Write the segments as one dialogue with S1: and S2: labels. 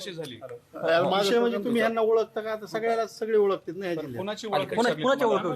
S1: कशी झाली?
S2: विषय म्हणजे तुम्ही यांना ओळखता का? आता सगळ्याला सगळे ओळखतात ना ह्या जिल्ह्यात.
S1: कोणाची ओळख
S3: कोणाच्या ओळख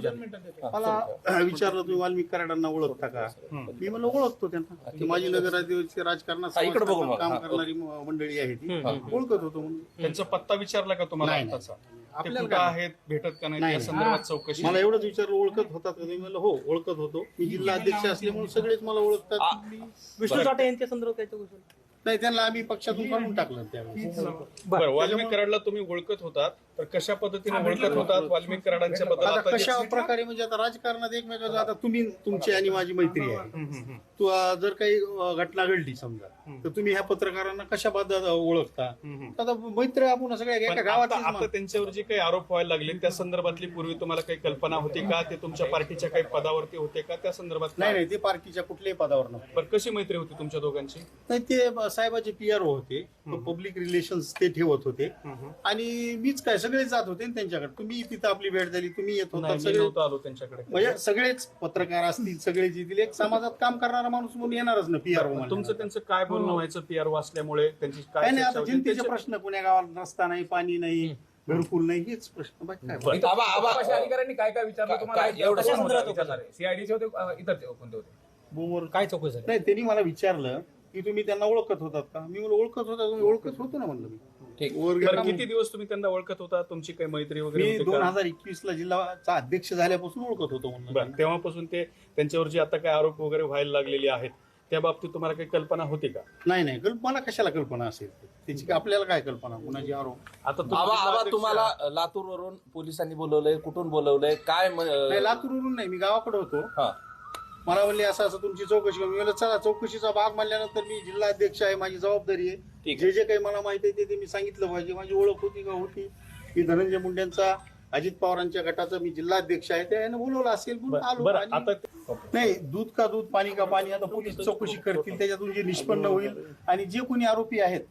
S2: मला विचारलं तुम्ही वाल्मिक कराडांना ओळखता का? मी म्हणलं ओळखतो त्यांना. ती माझी नगराध्यक्षाची राजकारणात काम करणारी मंडळी आहे ती, ओळखत होतो म्हणून.
S1: त्यांचा पत्ता विचारला का तुम्हाला आताचा? ते कुठं आहेत, भेटत का नाही या संदर्भात चौकशी?
S2: मला एवढंच विचारलं ओळखत होतात का? मी म्हणलं हो ओळखत होतो. मी जिल्हा अध्यक्ष असल्यामुळे सगळेच मला ओळखतात.
S3: विष्णू साठे यांच्या संदर्भात काय चौकशी?
S2: नाही, त्यांना आम्ही पक्षातून काढून टाकलं त्यावेळेस.
S1: बरं, वाल्मिक कराडला तुम्ही ओळखत होतात, तर कशा पद्धतीने ओळखत होतात वाल्मिक कराडांच्या बद्दल?
S2: आता
S1: आता
S2: कशा प्रकारे म्हणजे आता राजकारणात एकमेकांचं आता तुम्ही तुमची आणि माझी मैत्री आहे. तू जर काही घटना घडली समजा तर तुम्ही ह्या पत्रकारांना कशा पद्धत ओळखता? आता मैत्री आपण सगळ्या एका गावात.
S1: आता त्यांच्यावर जे काही आरोप व्हायला लागले त्या संदर्भातली पूर्वी तुम्हाला काही कल्पना होती का? ते तुमच्या पार्टीच्या काही पदावरती होते का? त्या संदर्भात
S2: नाही, ते पार्टीच्या कुठल्याही पदावर नव्हते.
S1: बरं, कशी मैत्री होती तुमच्या दोघांची?
S2: नाही, ते साहेबाचे पीआरओ होते, पब्लिक रिलेशन्स ते ठेवत होते आणि मीच काय सगळेच जात होते ना त्यांच्याकडे. तुम्ही तिथं आपली भेट झाली, तुम्ही येत होता,
S1: नाही, मी
S2: सगळे
S1: नव्हतो आलो त्यांच्याकडे.
S2: म्हणजे सगळेच पत्रकार असतील, सगळेच येतील. एक समाजात काम करणारा माणूस म्हणून येणारच ना पीआरओ.
S1: तुमचं त्यांचं काय बोलणं व्हायचं पीआरओ असल्यामुळे? त्यांची काय
S2: काय नाही,
S1: चर्चा
S2: आता
S1: होती?
S2: जनतेचे प्रश्न पुण्या गावात रस्ता नाही, पाणी नाही, घरकुल नाही, हेच प्रश्न. बाकी काय
S4: आबापाशी अधिकाऱ्यांनी काय काय विचारलं तुम्हाला?
S3: एवढं
S4: कशा
S3: संदर्भात
S4: संदर्भात विचारणार? सीआयडीचे होते, इतर कोणते होते?
S2: बोर
S3: काय चौकशी झाली?
S2: नाही, त्यांनी मला विचारलं की तुम्ही त्यांना ओळखत होतात का? मी म्हणलं ओळखत होता. तुम्ही ओळखत होतो ना म्हणलं मी. वर गेला
S1: बरं, किती दिवस तुम्ही त्यांना ओळखत होता? तुमची काही मैत्री वगैरे
S2: मी
S1: होती का?
S2: 2021 ला जिल्हाचा अध्यक्ष झाल्यापासून ओळखत होतो म्हणलं.
S1: बरं, तेव्हापासून ते त्यांच्यावर जे आता काही आरोप वगैरे व्हायला लागलेले आहेत त्या बाबतीत तुम्हाला काही कल्पना होती का?
S2: नाही, मला कशाला कल्पना असेल त्याची? आपल्याला काय कल्पना कुणाची आरोप?
S1: आता तुम्ही
S4: आबा
S1: जिल्हाध्यक्ष
S4: तुम्हाला लातूरवरून पोलिसांनी बोलवलंय, कुठून बोलवलंय, काय
S2: नाही, लातूरवरून नाही, मी गावाकडे होतो.
S4: हा.
S2: मला म्हणले असं तुमची चौकशी करू. मी म्हणलं चला, चौकशीचा भाग म्हणल्यानंतर मी जिल्हा अध्यक्ष आहे, माझी जबाबदारी आहे.
S4: ठीक
S2: जे काही मला माहिती आहे ते मी सांगितलं पाहिजे. माझी ओळख होती का? होती. की धनंजय मुंडेंचा, अजित पवारांच्या गटाचा मी जिल्हा अध्यक्ष आहे, त्याने बोलवलं असेल म्हणून आलो.
S1: बरं,
S2: आणि
S1: आता
S2: नाही, दूध का दूध, पाणी का पाणी. आता पोलीस चौकशी करतील, त्याच्यातून जे निष्पन्न होईल आणि जे कोणी आरोपी आहेत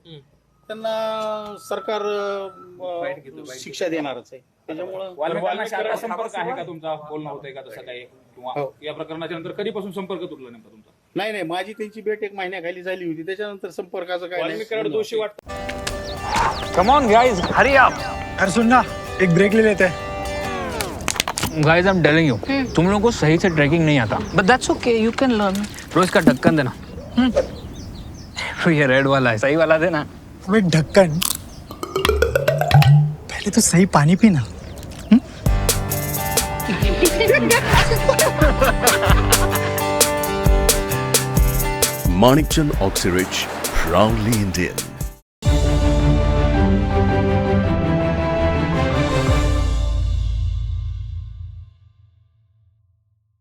S2: त्यांना सरकार शिक्षा देणारच आहे. त्याच्यामुळं
S4: वाल्मिकांना संपर्क आहे का तुमचा? बोलणं होतंय का तसं काही? किंवा या प्रकरणाच्या नंतर कधीपासून संपर्क तुटला नेमका तुमचा?
S2: नाही, माझी त्यांची भेट 1 महिन्याखाली झाली होती. त्याच्यानंतर संपर्काचं काय
S1: वाल्मिक कराड दोषी वाटतं?
S5: Come on guys, hurry up.
S6: अरे सुन ना, एक ब्रेक ले लेते हैं.
S5: Guys, I'm telling you, तुम लोगों को सही से ट्रैकिंग नहीं आता. But that's okay, you can learn. रोज का ढक्कन देना. ये रेड वाला है, सही वाला देना.
S6: अबे ढक्कन, पहले तो सही पानी पीना.
S7: Manikchand Oxyrich, proudly Indian.